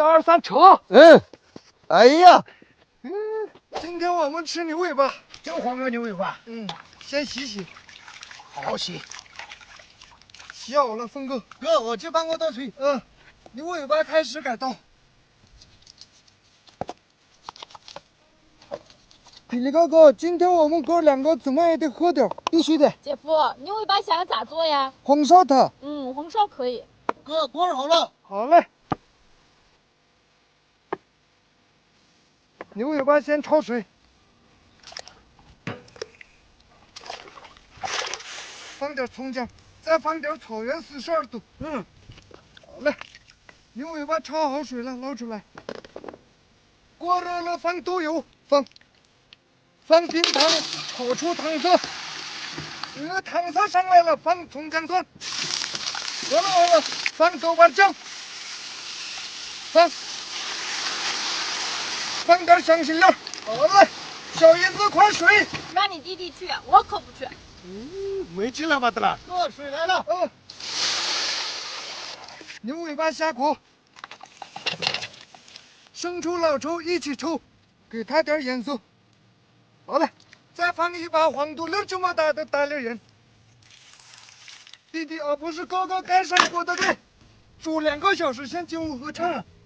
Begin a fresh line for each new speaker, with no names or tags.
二三，扯！
哎呀，
今天我们吃牛尾巴，
就黄瓜牛尾巴。
先洗洗，
好洗。
洗好了，峰哥。
哥，我去帮我倒水。
牛尾巴开始改刀。霹雳哥哥，今天我们哥两个怎么也得喝点，
必须的。
姐夫，牛尾巴想咋做呀？
红烧它。
红烧可以。
哥，锅好了。
好嘞。牛尾巴先焯水，放点葱姜，再放点草原42度。好嘞。牛尾巴焯好水了，捞出来。锅热了，放豆油，放冰糖，炒出糖色。糖色上来了，放葱姜蒜。好了，放豆瓣酱，放点香辛料。好嘞，小姨子快水。
让你弟弟去，我可不去。
没劲了吧，得了。哥，水来了。
牛尾巴下锅，生抽老抽一起抽，给它点颜色。好了，再放一把黄土粒这么大的大粒盐。弟弟不是哥哥，该上锅的对，煮2个小时，先进屋喝茶。